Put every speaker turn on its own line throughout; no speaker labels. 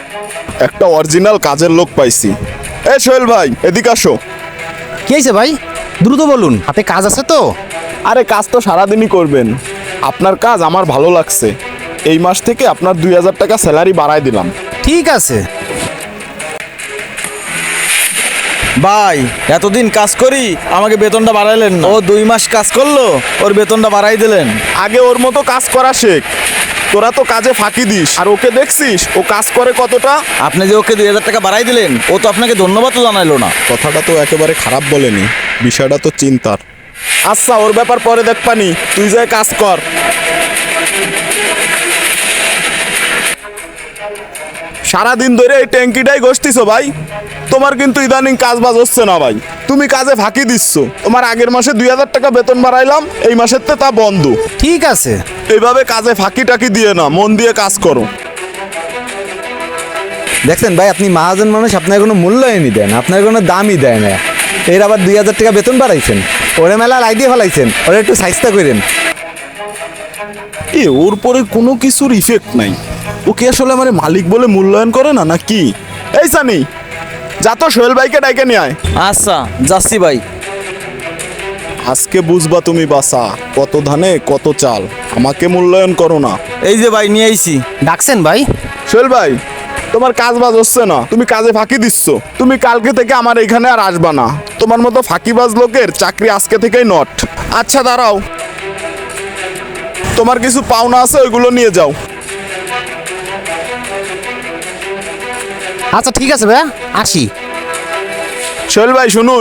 একটা অরিজিনাল কাজের লোক পাইছি। এ সোহেল ভাই, এদিকে আসো।
কি হয়েছে ভাই? দ্রুত বলুন, হাতে কাজ আছে তো?
আরে কাজ তো সারাদিনই করবেন। আপনার কাজ আমার ভালো লাগছে। এই মাস থেকে আপনার 2000 টাকা স্যালারি বাড়ায় দিলাম।
ঠিক আছে।
ভাই এতদিন কাজ করি আমাকে বেতনটা বাড়াইলেন না। ও 2 মাস কাজ করলো, ওর বেতনটা বাড়াই দিলেন।
আগে ওর মতো কাজ করা শেখ। তোরা তো কাজে ফাঁকি দিস, আর ওকে দেখছিস ও কাজ করে কতটা।
আপনি যে ওকে 2000 টাকা বাড়াই দিলেন, ও তো আপনাকে ধন্যবাদও জানাইলো না।
কথাটা তো একেবারে খারাপ বলেনি, বিষয়টা তো চিন্তার। আচ্ছা ওর ব্যাপার পরে দেখবানি, তুই যাই কাজ কর। সারাদিন ধরে এই ট্যাঙ্কিটাই ঘষতিছো ভাই। তোমার কিন্তু ইদানিং কাজ বাজ হচ্ছে না ভাই। তুমি কাজে ফাঁকি দিচ্ছ। তোমার আগের মাসে 2000 টাকা বেতন বাড়াইলাম, এই মাসের তে তা বন্ধ।
ঠিক আছে।
এইভাবে কাজে ফাঁকি টাকি দিয়ে না, মন দিয়ে কাজ করো।
দেখছেন ভাই, আপনি মহাজন মানুষ, আপনার কোনো মূল্যায়নই দেন, আপনার কোনো দামই দেয় না। এর আবার 2000 টাকা বেতন বাড়াইছেন, ওরে মেলা লাই দিয়ে ফেলাইছেন, ওরা একটু সাইজটা করেন।
ওর পরে কোনো কিছুর ইফেক্ট নাই। ও কি আসলে আমার মালিক বলে মূল্যায়ন করে না নাকি? এই সানি, যা তো সোহেল ভাইকে ডাইকে নিয়ে আয়।
আচ্ছা যাচ্ছি ভাই।
আজকে বুঝবা তুমি বাসা, কত ধানে কত চাল। আমাকে মূল্যায়ন করো না।
এই যে ভাই নিয়ে আইছি।
ডাকছেন ভাই?
সোহেল ভাই, তোমার কাজ বাজ হচ্ছে না, তুমি কাজে ফাঁকি দিচ্ছ। তুমি কালকে থেকে আমার এখানে আর আসবা না। তোমার মতো ফাঁকিবাজ লোকের চাকরি আজকে থেকেই নট। আচ্ছা দাঁড়াও, তোমার কিছু পাওনা আছে, ওইগুলো নিয়ে যাও।
আচ্ছা ঠিক আছে ভাইয়া, আসি।
সোহেল ভাই শুনুন।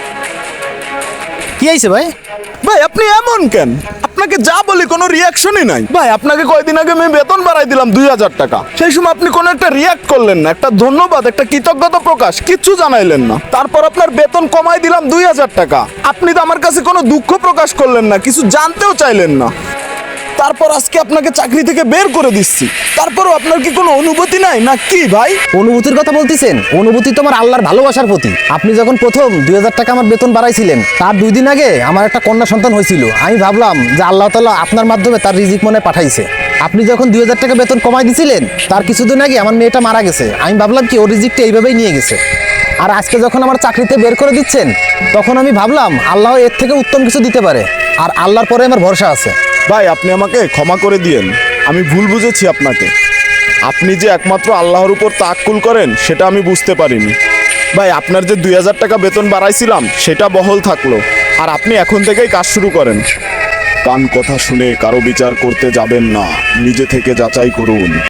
কি হয়েছে ভাই?
ভাই আপনি এমন কেন? আপনাকে যা বলি কোনো রিয়াকশনই নাই। ভাই আপনাকে কয়দিন আগে আমি বেতন বাড়াই দিলাম 2000 টাকা। সেই সময় আপনি কোনো একটা রিয়াক্ট করলেন না, একটা ধন্যবাদ, একটা কৃতজ্ঞতা প্রকাশ কিচ্ছু জানাইলেন না। তারপর আপনার বেতন কমাই দিলাম 2000 টাকা। আপনি তো আমার কাছে কোনো দুঃখ প্রকাশ করলেন না, কিছু জানতেও চাইলেন না। তারপর আজকে আপনাকে চাকরি থেকে বের করে দিচ্ছি। তারপরও আপনার কি কোনো অনুভূতি নাই না কি ভাই?
অনুভূতির কথা বলতেছেন? অনুভূতি তো আমার আল্লাহর ভালোবাসার প্রতি। আপনি যখন প্রথম 2000 টাকা আমার বেতন বাড়াইছিলেন, তার 2 দিন আগে আমার একটা কন্যা সন্তান হয়েছিল। আমি ভাবলাম যে আল্লাহ তাআলা আপনার মাধ্যমে তার রিজিক মনে পাঠাইছে। আপনি যখন 2000 টাকা বেতন কমাই দিয়েছিলেন, তার কিছুদিন আগে আমার মেয়েটা মারা গেছে। আমি ভাবলাম কি ওর রিজিকটা এইভাবেই নিয়ে গেছে। আর আজকে যখন আমার চাকরিতে বের করে দিচ্ছেন, তখন আমি ভাবলাম আল্লাহ এর থেকে উত্তম কিছু দিতে পারে, আর আল্লাহর পরে আমার ভরসা আছে।
ভাই আপনি আমাকে ক্ষমা করে দিয়েন, আমি ভুল বুঝেছি আপনাকে। আপনি যে একমাত্র আল্লাহর উপর তাওয়াক্কুল করেন সেটা আমি বুঝতে পারিনি। ভাই আপনার যে 2000 টাকা বেতন বাড়াইছিলাম সেটা বহাল থাকলো, আর আপনি এখন থেকেই কাজ শুরু করেন। কান কথা শুনে কারো বিচার করতে যাবেন না, নিজে থেকে যাচাই করুন।